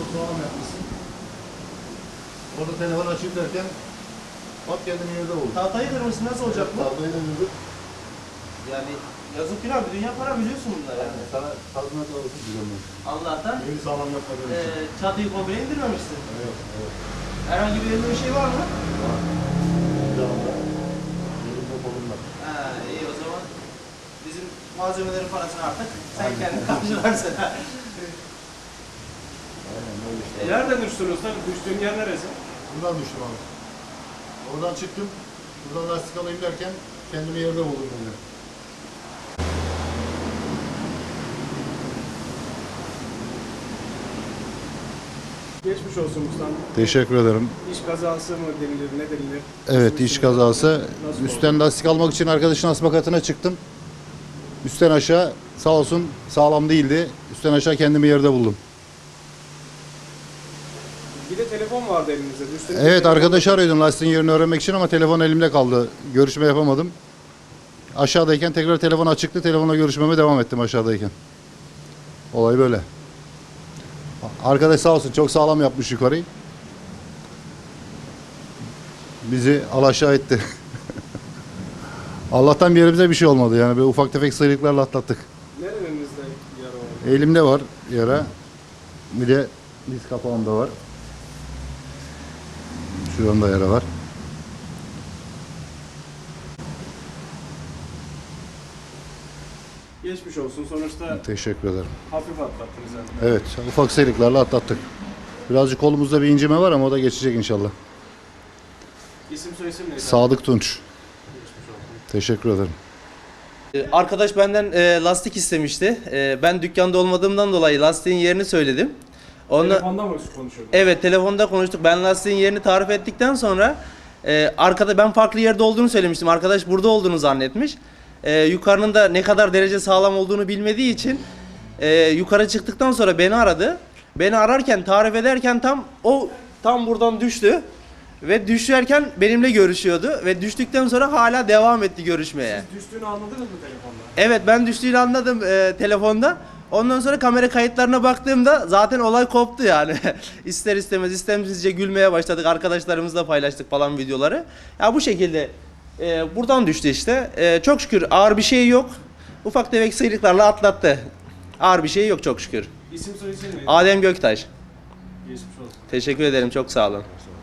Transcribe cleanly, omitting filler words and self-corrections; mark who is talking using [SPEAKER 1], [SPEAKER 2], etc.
[SPEAKER 1] Çok sağlam yapmışsın. Orada telefon açayım derken hop kendimi yerde buldum.
[SPEAKER 2] Tahtayı kırmışsın, nasıl olacak bu?
[SPEAKER 1] Tahtayı da vurduk.
[SPEAKER 2] Yani yazık günah, bir dünya para biliyorsun bunlar yani.
[SPEAKER 1] Sana tazminat alırsın güzel.
[SPEAKER 2] Allah'tan
[SPEAKER 1] Yeni sağlam yapmadığın için.
[SPEAKER 2] çatıyı komple indirmemişsin.
[SPEAKER 1] Evet, evet.
[SPEAKER 2] Herhangi bir elinde bir şey var mı?
[SPEAKER 1] Var. Bir anda elimde kolumda.
[SPEAKER 2] Ha, iyi o zaman. Bizim malzemelerin parasını artık sen kendin karşılarsın.
[SPEAKER 1] Aynen öyle işte.
[SPEAKER 3] Nereden düştün usta? Düştüğün yer neresi?
[SPEAKER 1] Buradan düştüm abi. Oradan çıktım. Buradan lastik alayım derken kendimi yerde buldum böyle.
[SPEAKER 3] Geçmiş olsun ustam.
[SPEAKER 1] Teşekkür ederim.
[SPEAKER 3] İş kazası mı denilir, ne denilir?
[SPEAKER 1] Evet, iş kazası.
[SPEAKER 3] Nasıl
[SPEAKER 1] Üstten lastik almak için arkadaşın asma katına çıktım. Üstten aşağı sağ olsun sağlam değildi. Üstten aşağı kendimi yerde buldum.
[SPEAKER 3] Bir de telefon vardı elinizde. Düştüğünüz
[SPEAKER 1] Evet,
[SPEAKER 3] telefon-
[SPEAKER 1] arkadaşı arıyordum lastiğin yerini öğrenmek için ama telefon elimde kaldı. Görüşme yapamadım. Aşağıdayken tekrar telefon açıktı. Telefonla görüşmeme devam ettim aşağıdayken. Olay böyle. Arkadaş sağ olsun çok sağlam yapmış yukarıyı. Bizi alaşağı etti. Allah'tan bir yerimize bir şey olmadı yani. Böyle ufak tefek sıyrıklarla atlattık.
[SPEAKER 3] Nerelerinizde yara var?
[SPEAKER 1] Elimde var yara. Bir de diz kapağımda var. Şuramda yara var.
[SPEAKER 3] Geçmiş olsun. Sonuçta
[SPEAKER 1] Teşekkür ederim.
[SPEAKER 3] hafif atlattınız yani.
[SPEAKER 1] Evet, ufak sıyrıklarla atlattık. Birazcık kolumuzda bir incime var ama o da geçecek inşallah.
[SPEAKER 3] İsim soyisim neydi?
[SPEAKER 1] Sadık Tunç.
[SPEAKER 3] Geçmiş olsun.
[SPEAKER 1] Teşekkür ederim.
[SPEAKER 2] Arkadaş benden lastik istemişti. Ben dükkanda olmadığımdan dolayı lastiğin yerini söyledim.
[SPEAKER 3] Telefonda mı konuşuyordun?
[SPEAKER 2] Evet, telefonda konuştuk. Ben lastiğin yerini tarif ettikten sonra arkada ben farklı yerde olduğunu söylemiştim. Arkadaş burada olduğunu zannetmiş. Yukarının da ne kadar derece sağlam olduğunu bilmediği için yukarı çıktıktan sonra beni aradı. Beni ararken, tarif ederken tam buradan düştü. Ve düşerken benimle görüşüyordu ve düştükten sonra hala devam etti görüşmeye.
[SPEAKER 3] Siz düştüğünü anladınız mı telefonda?
[SPEAKER 2] Evet, ben düştüğünü anladım telefonda. Ondan sonra kamera kayıtlarına baktığımda zaten olay koptu yani. İster istemez istemsizce gülmeye başladık. Arkadaşlarımızla paylaştık falan videoları. Ya bu şekilde buradan düştü işte. Çok şükür ağır bir şey yok. Ufak tefek sıyrıklarla atlattı. Ağır bir şey yok çok şükür.
[SPEAKER 3] İsim soyisim neydi?
[SPEAKER 2] Adem Göktaş.
[SPEAKER 3] Geçmiş olsun.
[SPEAKER 2] Teşekkür ederim, çok sağ olun.